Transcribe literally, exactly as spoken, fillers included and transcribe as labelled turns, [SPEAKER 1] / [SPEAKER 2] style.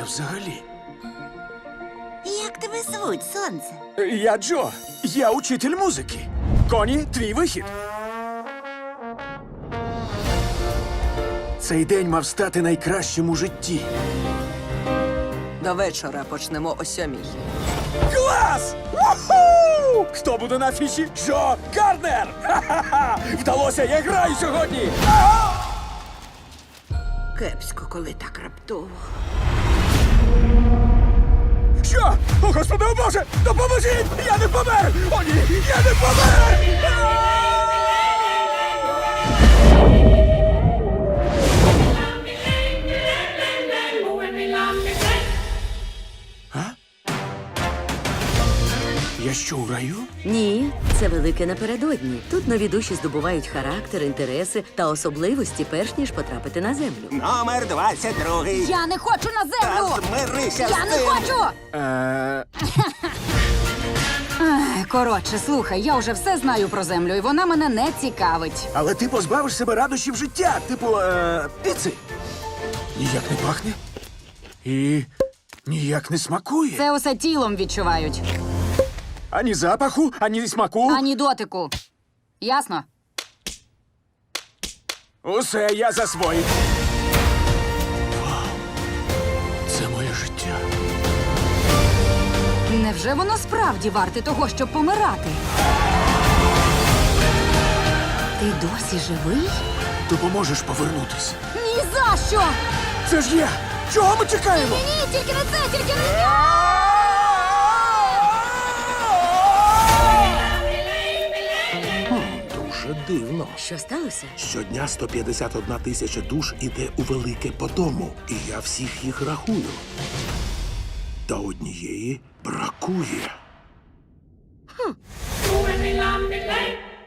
[SPEAKER 1] взагалі?
[SPEAKER 2] Як тебе звуть, сонце?
[SPEAKER 1] Я Джо. Я учитель музики. Коні, твій вихід. Цей день мав стати найкращим у житті.
[SPEAKER 3] До вечора почнемо о сьомій.
[SPEAKER 1] Клас! Уху! Хто буде на афіші? Джо Гарднер! Ха-ха-ха! Вдалося, я граю сьогодні! Ага!
[SPEAKER 3] Кепсько, коли так раптово.
[SPEAKER 1] Що? О, Господи, о Боже! Допоможіть! Я не помер! О, ні! Я не помер! А? Я що, у раю?
[SPEAKER 4] Ні, це велике напередодні. Тут нові душі здобувають характер, інтереси та особливості, перш ніж потрапити на землю.
[SPEAKER 5] Номер двадцять другий.
[SPEAKER 6] Я не хочу на
[SPEAKER 5] Та
[SPEAKER 6] землю!
[SPEAKER 5] змирися
[SPEAKER 6] Я
[SPEAKER 5] з
[SPEAKER 6] не
[SPEAKER 5] тим.
[SPEAKER 6] хочу!
[SPEAKER 1] Е,
[SPEAKER 6] Ай, коротше, слухай, я вже все знаю про землю, і вона мене не цікавить.
[SPEAKER 1] але ти позбавиш себе радощів життя, типу, е, піци. Ніяк не пахне. І ніяк не смакує.
[SPEAKER 6] Це усе тілом відчувають,
[SPEAKER 1] Ані запаху, ані смаку.
[SPEAKER 6] ані дотику. Ясно?
[SPEAKER 1] Усе я засвоїв. Вау. Це моє життя.
[SPEAKER 6] Невже воно справді варте того, щоб помирати? Ти досі живий?
[SPEAKER 1] Допоможеш повернутись.
[SPEAKER 6] Ні за що!
[SPEAKER 1] Це ж я! Чого ми чекаємо?
[SPEAKER 6] Ні, тільки не це, тільки не це!
[SPEAKER 5] Дуже дивно.
[SPEAKER 4] Що сталося?
[SPEAKER 5] Щодня сто п'ятдесят одна тисяча душ іде у велике по дому, і я всіх їх рахую. Та однієї бракує.